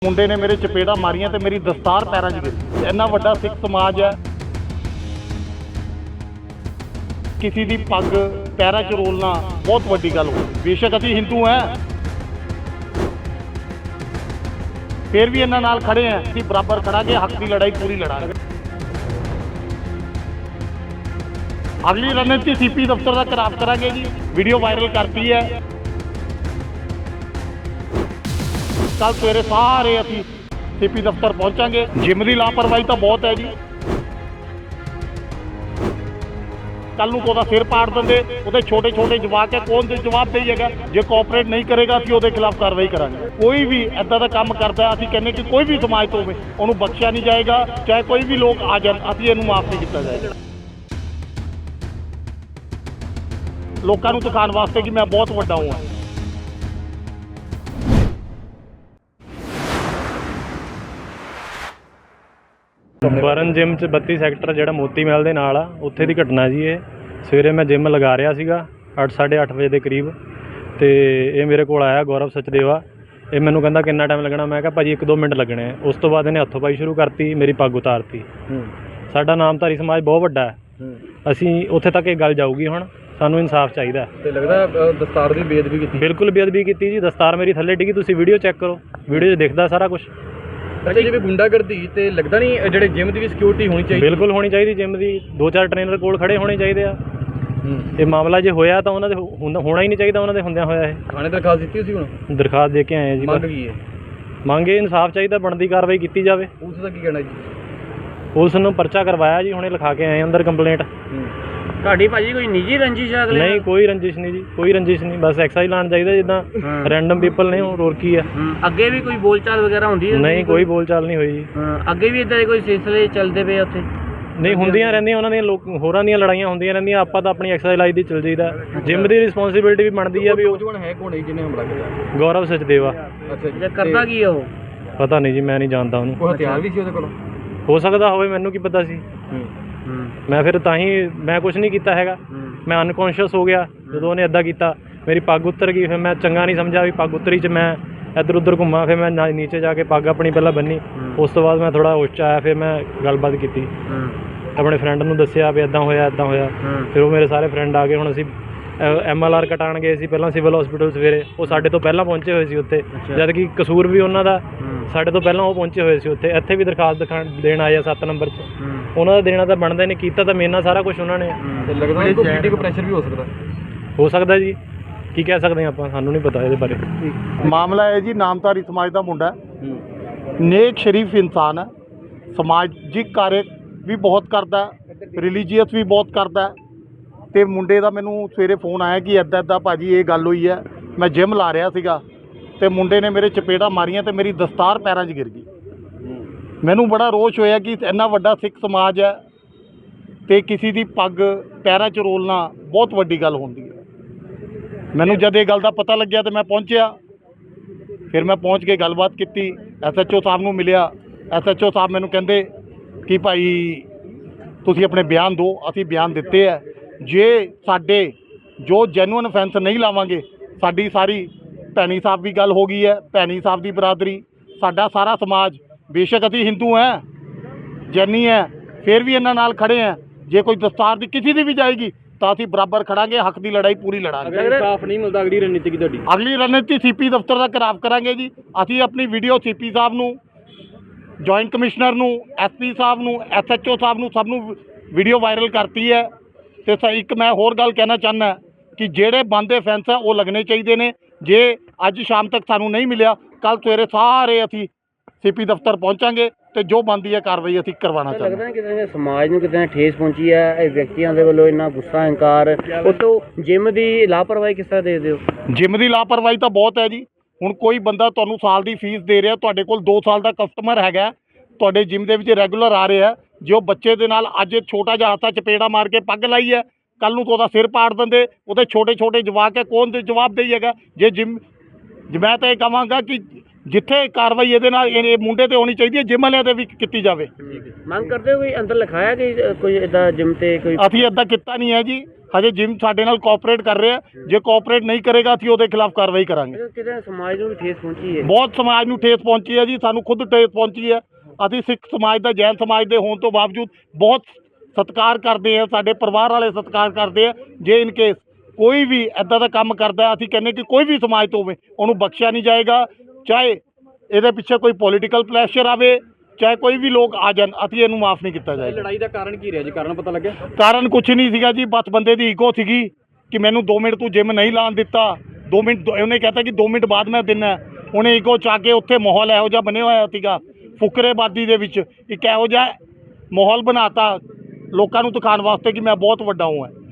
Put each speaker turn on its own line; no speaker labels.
ਮੁੰਡੇ ਨੇ ਮੇਰੇ ਚਪੇੜਾ ਮਾਰੀਆਂ ਤੇ ਮੇਰੀ ਦਸਤਾਰ ਪੈਰਾਂ 'ਚ ਗਿਰੀ। ਇੰਨਾ ਵੱਡਾ ਸਿੱਖ ਸਮਾਜ ਹੈ, ਕਿਸੇ ਦੀ ਪੱਗ ਪੈਰਾਂ 'ਚ ਰੋਲਣਾ ਬਹੁਤ ਵੱਡੀ ਗੱਲ ਹੋ। ਬੇਸ਼ੱਕ ਅਸੀਂ ਹਿੰਦੂ ਹੈ, ਫਿਰ ਵੀ ਇਹਨਾਂ ਨਾਲ ਖੜੇ ਹਾਂ। ਅਸੀਂ ਬਰਾਬਰ ਖੜਾਂਗੇ, ਹੱਕ ਦੀ ਲੜਾਈ ਪੂਰੀ ਲੜਾਂਗੇ। ਅਗਲੀ ਰਣਨੀਤੀ ਸੀਪੀ ਦਫ਼ਤਰ ਦਾ ਖਰਾਬ ਕਰਾਂਗੇ ਜੀ। ਵੀਡੀਓ ਵਾਇਰਲ ਕਰਤੀ ਹੈ। ਕੱਲ ਸਵੇਰੇ ਸਾਰੇ ਅਸੀਂ ਸੀਪੀ ਦਫ਼ਤਰ ਪਹੁੰਚਾਂਗੇ। ਜਿਮ ਦੀ ਲਾਪਰਵਾਹੀ ਤਾਂ ਬਹੁਤ ਹੈ ਜੀ। ਕੱਲ ਨੂੰ ਉਹਦਾ ਸਿਰ ਪਾੜ ਦਿੰਦੇ, ਉਹਦੇ ਛੋਟੇ ਛੋਟੇ ਜਵਾਕ ਹੈ, ਕੌਣ ਦੇ ਜਵਾਬ ਦੇਈਏਗਾ? ਜੇ ਕੋਆਪਰੇਟ ਨਹੀਂ ਕਰੇਗਾ ਅਸੀਂ ਉਹਦੇ ਖਿਲਾਫ ਕਾਰਵਾਈ ਕਰਾਂਗੇ। ਕੋਈ ਵੀ ਇੱਦਾਂ ਦਾ ਕੰਮ ਕਰਦਾ, ਅਸੀਂ ਕਹਿੰਦੇ ਕਿ ਕੋਈ ਵੀ ਸਮਾਜ ਤੋਂ ਹੋਵੇ, ਉਹਨੂੰ ਬਖਸ਼ਿਆ ਨਹੀਂ ਜਾਏਗਾ। ਚਾਹੇ ਕੋਈ ਵੀ ਲੋਕ ਆ ਜਾਣ, ਅਸੀਂ ਇਹਨੂੰ ਮਾਫ ਨਹੀਂ ਕੀਤਾ ਜਾਏਗਾ। ਲੋਕਾਂ ਨੂੰ ਦਿਖਾਉਣ ਵਾਸਤੇ ਕਿ ਮੈਂ ਬਹੁਤ ਵੱਡਾ ਹਾਂ।
ਬਰਨ ਜਿਮ 'ਚ 32 ਸੈਕਟਰ ਜਿਹੜਾ ਮੋਤੀ ਮਹਿਲ ਦੇ ਨਾਲ ਆ, ਉੱਥੇ ਦੀ ਘਟਨਾ ਜੀ। ਇਹ ਸਵੇਰੇ ਮੈਂ ਜਿਮ ਲਗਾ ਰਿਹਾ ਸੀਗਾ 8-8:30 ਵਜੇ ਦੇ ਕਰੀਬ, ਅਤੇ ਇਹ ਮੇਰੇ ਕੋਲ ਆਇਆ ਗੌਰਵ ਸਚਦੇਵਾ। ਇਹ ਮੈਨੂੰ ਕਹਿੰਦਾ ਕਿੰਨਾ ਟਾਈਮ ਲੱਗਣਾ? ਮੈਂ ਕਿਹਾ ਭਾਜੀ 1-2 ਮਿੰਟ ਲੱਗਣੇ ਆ। ਉਸ ਤੋਂ ਬਾਅਦ ਇਹਨੇ ਹੱਥੋਂ ਪਾਈ ਸ਼ੁਰੂ ਕਰਤੀ, ਮੇਰੀ ਪੱਗ ਉਤਾਰਤੀ। ਸਾਡਾ ਨਾਮਧਾਰੀ ਸਮਾਜ ਬਹੁਤ ਵੱਡਾ ਹੈ, ਅਸੀਂ ਉੱਥੇ ਤੱਕ ਇਹ ਗੱਲ ਜਾਊਗੀ। ਹੁਣ ਸਾਨੂੰ ਇਨਸਾਫ ਚਾਹੀਦਾ।
ਤੇ ਲੱਗਦਾ ਦਸਤਾਰ ਦੀ ਬੇਅਦਬੀ ਕੀਤੀ।
ਬਿਲਕੁਲ ਬੇਅਦਬੀ ਕੀਤੀ ਜੀ। ਦਸਤਾਰ ਮੇਰੀ ਥੱਲੇ ਡਿੱਗੀ, ਤੁਸੀਂ ਵੀਡੀਓ ਚੈੱਕ ਕਰੋ, ਵੀਡੀਓ 'ਚ ਦਿਖਦਾ ਸਾਰਾ ਕੁਛ।
ਅੱਛਾ, ਜਿਵੇਂ ਗੁੰਡਾਗਰਦੀ ਤੇ ਲੱਗਦਾ ਨਹੀਂ ਜਿਹੜੇ ਜਿਮ ਦੀ ਵੀ ਸਿਕਿਉਰਿਟੀ ਹੋਣੀ ਚਾਹੀਦੀ?
ਬਿਲਕੁਲ ਹੋਣੀ ਚਾਹੀਦੀ। ਜਿਮ ਦੀ 2-4 ਟ੍ਰੇਨਰ ਕੋਲ ਖੜੇ ਹੋਣੇ ਚਾਹੀਦੇ ਆ। ਇਹ ਮਾਮਲਾ ਜੇ ਹੋਇਆ ਤਾਂ ਉਹਨਾਂ ਦੇ ਹੋਣਾ ਹੀ ਨਹੀਂ ਚਾਹੀਦਾ, ਉਹਨਾਂ ਦੇ ਹੁੰਦਿਆਂ ਹੋਇਆ। ਇਹ
ਥਾਣੇ ਦਰਖਾਸਤ ਦਿੱਤੀ ਸੀ? ਹੁਣ
ਦਰਖਾਸਤ ਦੇ ਕੇ ਆਏ ਜੀ।
ਮੰਗ ਕੀ ਹੈ?
ਮੰਗੇ ਇਨਸਾਫ ਚਾਹੀਦਾ, ਬਣਦੀ ਕਾਰਵਾਈ ਕੀਤੀ ਜਾਵੇ।
ਪੁਲਿਸ ਦਾ ਕੀ ਕਹਿਣਾ ਜੀ?
ਪੁਲਿਸ ਨੂੰ ਪਰਚਾ ਕਰਵਾਇਆ ਜੀ, ਹੁਣੇ ਲਿਖਾ ਕੇ ਆਏ ਅੰਦਰ ਕੰਪਲੇਂਟ।
ਤੁਹਾਡੀ ਭਾਜੀ ਕੋਈ ਨਿੱਜੀ ਰੰਜਿਸ਼ ਹੈ?
ਨਹੀਂ, ਕੋਈ ਰੰਜਿਸ਼ ਨਹੀਂ ਜੀ, ਕੋਈ ਰੰਜਿਸ਼ ਨਹੀਂ। ਬਸ ਐਕਸਾਈਜ਼ ਲਾਉਣ ਚਾਹੀਦਾ, ਜਿੱਦਾਂ ਰੈਂਡਮ ਪੀਪਲ ਨੇ, ਹੋਰ ਕੀ ਆ।
ਅੱਗੇ ਵੀ ਕੋਈ ਬੋਲਚਾਲ ਵਗੈਰਾ ਹੁੰਦੀ ਹੈ?
ਨਹੀਂ, ਕੋਈ ਬੋਲਚਾਲ ਨਹੀਂ ਹੋਈ ਜੀ।
ਅੱਗੇ ਵੀ ਇੱਦਾਂ ਦੇ ਕੋਈ ਸਿਲਸਿਲੇ ਚੱਲਦੇ ਪਏ ਉੱਥੇ?
ਨਹੀਂ, ਹੁੰਦੀਆਂ ਰਹਿੰਦੀਆਂ ਉਹਨਾਂ ਦੀਆਂ, ਹੋਰਾਂ ਦੀਆਂ ਲੜਾਈਆਂ ਹੁੰਦੀਆਂ ਰਹਿੰਦੀਆਂ। ਆਪਾਂ ਤਾਂ ਆਪਣੀ ਐਕਸਾਈਜ਼ ਲਾਈ ਦੀ ਚੱਲ ਜਾਈਦਾ। ਜਿਮ ਦੀ ਰਿਸਪੌਂਸਿਬਿਲਿਟੀ ਵੀ ਬਣਦੀ ਆ ਵੀ। ਉਹ
ਨੌਜਵਾਨ ਹੈ ਕੌਣ ਜਿਹਨੇ ਹਮਲਾ ਕੀਤਾ?
ਗੌਰਵ ਸਚਦੇਵਾ।
ਅੱਛਾ ਜੀ,
ਕਰਦਾ ਕੀ ਹੈ ਉਹ?
ਪਤਾ ਨਹੀਂ ਜੀ, ਮੈਂ ਨਹੀਂ ਜਾਣਦਾ ਉਹਨੂੰ।
ਕੋਈ ਹਥਿਆਰ ਵੀ ਸੀ ਉਹਦੇ ਕੋਲ?
ਹੋ ਸਕਦਾ ਹੋਵੇ, ਮੈਨੂੰ ਕੀ ਪਤਾ ਸੀ। ਮੈਂ ਫਿਰ ਤਾਂ ਹੀ ਮੈਂ ਕੁਝ ਨਹੀਂ ਕੀਤਾ ਹੈਗਾ। ਮੈਂ ਅਨਕੌਂਸ਼ੀਅਸ ਹੋ ਗਿਆ ਜਦੋਂ ਉਹਨੇ ਇੱਦਾਂ ਕੀਤਾ। ਮੇਰੀ ਪੱਗ ਉੱਤਰ ਗਈ, ਫਿਰ ਮੈਂ ਚੰਗਾ ਨਹੀਂ ਸਮਝਿਆ ਵੀ ਪੱਗ ਉੱਤਰੀ 'ਚ ਮੈਂ ਇੱਧਰ ਉੱਧਰ ਘੁੰਮਾ। ਫਿਰ ਮੈਂ ਨੀਚੇ ਜਾ ਕੇ ਪੱਗ ਆਪਣੀ ਪਹਿਲਾਂ ਬੰਨੀ। ਉਸ ਤੋਂ ਬਾਅਦ ਮੈਂ ਥੋੜ੍ਹਾ ਹੋਸ਼ 'ਚ ਆਇਆ, ਫਿਰ ਮੈਂ ਗੱਲਬਾਤ ਕੀਤੀ, ਆਪਣੇ ਫਰੈਂਡ ਨੂੰ ਦੱਸਿਆ ਵੀ ਇੱਦਾਂ ਹੋਇਆ ਇੱਦਾਂ ਹੋਇਆ। ਫਿਰ ਉਹ ਮੇਰੇ ਸਾਰੇ ਫਰੈਂਡ ਆ ਗਏ। ਹੁਣ ਅਸੀਂ MLR ਕਟਾਉਣ ਗਏ ਸੀ ਪਹਿਲਾਂ ਸਿਵਲ ਹਸਪੀਟਲ ਸਵੇਰੇ। ਉਹ ਸਾਡੇ ਤੋਂ ਪਹਿਲਾਂ ਪਹੁੰਚੇ ਹੋਏ ਸੀ ਉੱਥੇ, ਜਦ ਕਿ ਕਸੂਰ ਵੀ ਉਹਨਾਂ ਦਾ। ਸਾਡੇ ਤੋਂ ਪਹਿਲਾਂ ਉਹ ਪਹੁੰਚੇ ਹੋਏ ਸੀ ਉੱਥੇ। ਇੱਥੇ ਵੀ ਦਰਖਾਸਤ ਦੇਣ ਆਏ ਆ 7 ਨੰਬਰ 'ਚ। ਉਹਨਾਂ ਦਾ ਦੇਣਾ ਤਾਂ ਬਣਦਾ ਨਹੀਂ, ਕੀਤਾ ਤਾਂ ਮੇਰੇ ਨਾਲ ਸਾਰਾ ਕੁਝ ਉਹਨਾਂ ਨੇ।
ਤੇ ਲੱਗਦਾ ਨਹੀਂ ਕੋਈ ਪੋਲੀਟਿਕਲ ਪ੍ਰੈਸ਼ਰ ਵੀ
ਹੋ ਸਕਦਾ ਜੀ, ਕੀ ਕਹਿ ਸਕਦੇ ਆਪਾਂ, ਸਾਨੂੰ ਨਹੀਂ ਪਤਾ ਇਹਦੇ ਬਾਰੇ।
ਮਾਮਲਾ ਹੈ ਜੀ, ਨਾਮਧਾਰੀ ਸਮਾਜ ਦਾ ਮੁੰਡਾ, ਨੇਕ ਸ਼ਰੀਫ ਇਨਸਾਨ ਹੈ, ਸਮਾਜਿਕ ਕਾਰਜ ਵੀ ਬਹੁਤ ਕਰਦਾ, ਰਿਲੀਜੀਅਸ ਵੀ ਬਹੁਤ ਕਰਦਾ। ਤੇ ਮੁੰਡੇ ਦਾ ਮੈਨੂੰ ਸਵੇਰੇ ਫੋਨ ਆਇਆ ਕਿ ਇੱਦਾਂ ਇੱਦਾਂ ਭਾਜੀ ਇਹ ਗੱਲ ਹੋਈ ਹੈ। ਮੈਂ ਜਿਮ ਲਾ ਰਿਹਾ ਸੀਗਾ ਤੇ ਮੁੰਡੇ ਨੇ ਮੇਰੇ ਚਪੇੜਾ ਮਾਰੀਆਂ ਤੇ ਮੇਰੀ ਦਸਤਾਰ ਪੈਰਾਂ 'ਚ ਗਿਰ ਗਈ। ਮੈਨੂੰ ਬੜਾ ਰੋਸ਼ ਹੋਇਆ ਕਿ ਇੰਨਾ ਵੱਡਾ ਸਿੱਖ ਸਮਾਜ ਹੈ ਤੇ ਕਿਸੇ ਦੀ ਪੱਗ ਪੈਰਾਂ 'ਚ ਰੋਲਣਾ ਬਹੁਤ ਵੱਡੀ ਗੱਲ ਹੁੰਦੀ ਹੈ। ਮੈਨੂੰ ਜਦ ਇਹ ਗੱਲ ਦਾ ਪਤਾ ਲੱਗਿਆ ਤੇ ਮੈਂ ਪਹੁੰਚਿਆ। ਫਿਰ ਮੈਂ ਪਹੁੰਚ ਕੇ ਗੱਲਬਾਤ ਕੀਤੀ, SHO ਸਾਹਿਬ ਨੂੰ ਮਿਲਿਆ। SHO ਸਾਹਿਬ ਮੈਨੂੰ ਕਹਿੰਦੇ ਕਿ ਭਾਈ ਤੁਸੀਂ ਆਪਣੇ ਬਿਆਨ ਦਿਓ। ਅਸੀਂ ਬਿਆਨ ਦਿੱਤੇ ਹੈ। ਜੇ ਸਾਡੇ ਜੋ ਜੈਨੂਅਨ ਅਫੈਂਸ ਨਹੀਂ ਲਾਵਾਂਗੇ, ਸਾਡੀ ਸਾਰੀ ਭੈਣੀ ਸਾਹਿਬ ਵੀ ਗੱਲ ਹੋ ਗਈ ਹੈ, ਭੈਣੀ ਸਾਹਿਬ ਦੀ ਬਰਾਦਰੀ, ਸਾਡਾ ਸਾਰਾ ਸਮਾਜ, ਬੇਸ਼ੱਕ ਅਸੀਂ ਹਿੰਦੂ ਹੈ, ਜੈਨੀ ਹੈ, ਫਿਰ ਵੀ ਇਹਨਾਂ ਨਾਲ ਖੜੇ ਹਾਂ। ਜੇ ਕੋਈ ਦਸਤਾਰ ਦੀ ਕਿਸੇ ਦੀ ਵੀ ਜਾਏਗੀ ਤਾਂ ਅਸੀਂ ਬਰਾਬਰ ਖੜਾਂਗੇ, ਹੱਕ ਦੀ ਲੜਾਈ ਪੂਰੀ ਲੜਾਂਗੇ।
ਅਗਰ ਇਨਸਾਫ ਨਹੀਂ ਮਿਲਦਾ, ਅਗਲੀ ਰਣਨੀਤੀ ਕੀ ਤੁਹਾਡੀ?
ਅਗਲੀ ਰਣਨੀਤੀ ਸੀਪੀ ਦਫ਼ਤਰ ਦਾ ਖਰਾਬ ਕਰਾਂਗੇ ਜੀ। ਅਸੀਂ ਆਪਣੀ ਵੀਡੀਓ ਸੀਪੀ ਸਾਹਿਬ ਨੂੰ, ਜੁਆਇੰਟ ਕਮਿਸ਼ਨਰ ਨੂੰ, SP ਸਾਹਿਬ ਨੂੰ, SHO ਸਾਹਿਬ ਨੂੰ, ਸਭ ਨੂੰ ਵੀਡੀਓ ਵਾਇਰਲ ਕਰਤੀ ਹੈ। ਤੇ ਇੱਕ ਮੈਂ ਹੋਰ ਗੱਲ ਕਹਿਣਾ ਚਾਹੁੰਦਾ ਕਿ ਜਿਹੜੇ ਬੰਦ ਅਫੈਂਸ ਹੈ ਉਹ ਲੱਗਣੇ ਚਾਹੀਦੇ ਨੇ। ਜੇ ਅੱਜ ਸ਼ਾਮ ਤੱਕ ਸਾਨੂੰ ਨਹੀਂ ਮਿਲਿਆ, ਕੱਲ ਸਵੇਰੇ ਸਾਰੇ ਅਸੀਂ ਸੀਪੀ ਦਫ਼ਤਰ ਪਹੁੰਚਾਂਗੇ ਤੇ ਜੋ ਬਣਦੀ ਹੈ ਕਾਰਵਾਈ ਅਸੀਂ ਕਰਵਾਉਣਾ ਚਾਹੁੰਦੇ।
ਲੱਗਦਾ ਕਿਤੇ ਸਮਾਜ ਨੂੰ ਕਿਤੇ ਠੇਸ ਪਹੁੰਚੀ ਹੈ ਇਹ ਵਿਅਕਤੀਆਂ ਦੇ ਵੱਲੋਂ, ਇੰਨਾ ਗੁੱਸਾ ਹੰਕਾਰ। ਉਤੋਂ ਜਿਮ ਦੀ ਲਾਪਰਵਾਹੀ ਕਿਸ ਤਰ੍ਹਾਂ ਦੇਖਦੇ ਹੋ?
ਜਿਮ ਦੀ ਲਾਪਰਵਾਹੀ ਤਾਂ ਬਹੁਤ ਹੈ ਜੀ। ਹੁਣ ਕੋਈ ਬੰਦਾ ਤੁਹਾਨੂੰ ਸਾਲ ਦੀ ਫੀਸ ਦੇ ਰਿਹਾ, ਤੁਹਾਡੇ ਕੋਲ 2 ਸਾਲ ਦਾ ਕਸਟਮਰ ਹੈਗਾ, ਤੁਹਾਡੇ ਜਿਮ ਦੇ ਵਿੱਚ ਰੈਗੂਲਰ ਆ ਰਿਹਾ, ਜੇ ਉਹ ਬੱਚੇ ਦੇ ਨਾਲ ਅੱਜ ਛੋਟਾ ਜਿਹਾ ਹੱਥਾਂ ਚਪੇੜਾ ਮਾਰ ਕੇ ਪੱਗ ਲਾਈ ਹੈ, ਕੱਲ ਨੂੰ ਉਹਦਾ ਸਿਰ ਪਾੜ ਦਿੰਦੇ, ਉਹਦੇ ਛੋਟੇ ਛੋਟੇ ਜਵਾਕ ਹੈ, ਕੌਣ ਦੇ ਜਵਾਬ ਦੇਈਏਗਾ? ਜੇ ਮੈਂ ਤਾਂ ਇਹ ਕਹਾਂਗਾ ਕਿ ਜਿੱਥੇ ਕਾਰਵਾਈ ਇਹਦੇ ਨਾਲ ਇਹ ਮੁੰਡੇ ਤੇ ਹੋਣੀ ਚਾਹੀਦੀ ਹੈ, ਜਿਮ ਵਾਲਿਆਂ ਤੇ ਵੀ ਕੀਤੀ ਜਾਵੇ।
ਮੰਗ ਕਰਦੇ ਹੋ ਕੋਈ ਅੰਦਰ ਲਿਖਾਇਆ ਕਿ ਕੋਈ ਇੱਦਾਂ ਜਿਮ ਤੇ ਕੋਈ?
ਅਸੀਂ ਇੱਦਾਂ ਕੀਤਾ ਨਹੀਂ ਹੈ ਜੀ। ਹਜੇ ਜਿਮ ਸਾਡੇ ਨਾਲ ਕੋਆਪਰੇਟ ਕਰ ਰਿਹਾ, ਜੇ ਕੋਆਪਰੇਟ ਨਹੀਂ ਕਰੇਗਾ ਅਸੀਂ ਉਹਦੇ ਖਿਲਾਫ ਕਾਰਵਾਈ ਕਰਾਂਗੇ।
ਕਿਤੇ ਸਮਾਜ ਨੂੰ ਵੀ ਠੇਸ ਪਹੁੰਚੀ ਹੈ।
ਬਹੁਤ ਸਮਾਜ ਨੂੰ ਠੇਸ ਪਹੁੰਚੀ ਹੈ ਜੀ, ਸਾਨੂੰ ਖੁਦ ਠੇਸ ਪਹੁੰਚੀ ਹੈ। ਅਸੀਂ ਸਿੱਖ ਸਮਾਜ ਦਾ, ਜੈਨ ਸਮਾਜ ਦੇ ਹੋਣ ਤੋਂ ਬਾਵਜੂਦ ਬਹੁਤ ਸਤਿਕਾਰ ਕਰਦੇ ਆ, ਸਾਡੇ ਪਰਿਵਾਰ ਵਾਲੇ ਸਤਿਕਾਰ ਕਰਦੇ ਆ। ਜੇ ਇਨ ਕੇਸ ਕੋਈ ਵੀ ਇੱਦਾਂ ਦਾ ਕੰਮ ਕਰਦਾ, ਅਸੀਂ ਕਹਿੰਦੇ ਕਿ ਕੋਈ ਵੀ ਸਮਾਜ ਤੋਂ ਹੋਵੇ ਉਹਨੂੰ ਬਖਸ਼ਿਆ ਨਹੀਂ ਜਾਏਗਾ, ਚਾਹੇ ਇਹਦੇ ਪਿੱਛੇ ਕੋਈ ਪੋਲੀਟੀਕਲ ਪ੍ਰੈਸ਼ਰ ਆਵੇ, ਚਾਹੇ ਕੋਈ ਵੀ ਲੋਕ ਆ ਜਾਣ, ਅਸੀਂ ਇਹਨੂੰ ਮਾਫ ਨਹੀਂ ਕੀਤਾ
ਇਹ
ਜਾਏਗਾ।
ਲੜਾਈ ਦਾ ਕਾਰਨ ਕੀ ਰਿਹਾ ਜੀ? ਕਾਰਨ ਪਤਾ ਲੱਗਿਆ?
ਕਾਰਨ ਕੁਛ ਨਹੀਂ ਸੀਗਾ ਜੀ, ਬਸ ਬੰਦੇ ਦੀ ਈਗੋ ਸੀਗੀ ਕਿ ਮੈਨੂੰ 2 ਮਿੰਟ ਤੂੰ ਜਿਮ ਨਹੀਂ ਲਾਉਣ ਦਿੱਤਾ, 2 ਮਿੰਟ ਉਹਨੇ ਕਹਿਤਾ ਕਿ 2 ਮਿੰਟ ਬਾਅਦ ਮੈਂ ਦਿੰਨਾ। ਉਹਨੇ ਈਗੋ ਚਾ ਕੇ ਉੱਥੇ ਮਾਹੌਲ ਇਹੋ ਜਿਹਾ ਬਣਿਆ ਹੋਇਆ ਸੀਗਾ, ਫੁਕਰੇਬਾਜ਼ੀ ਦੇ ਵਿੱਚ ਇੱਕ ਇਹੋ ਜਿਹਾ ਮਾਹੌਲ ਬਣਾਤਾ ਲੋਕਾਂ ਨੂੰ ਦਿਖਾਉਣ ਵਾਸਤੇ ਕਿ ਮੈਂ ਬਹੁਤ ਵੱਡਾ ਹਾਂ।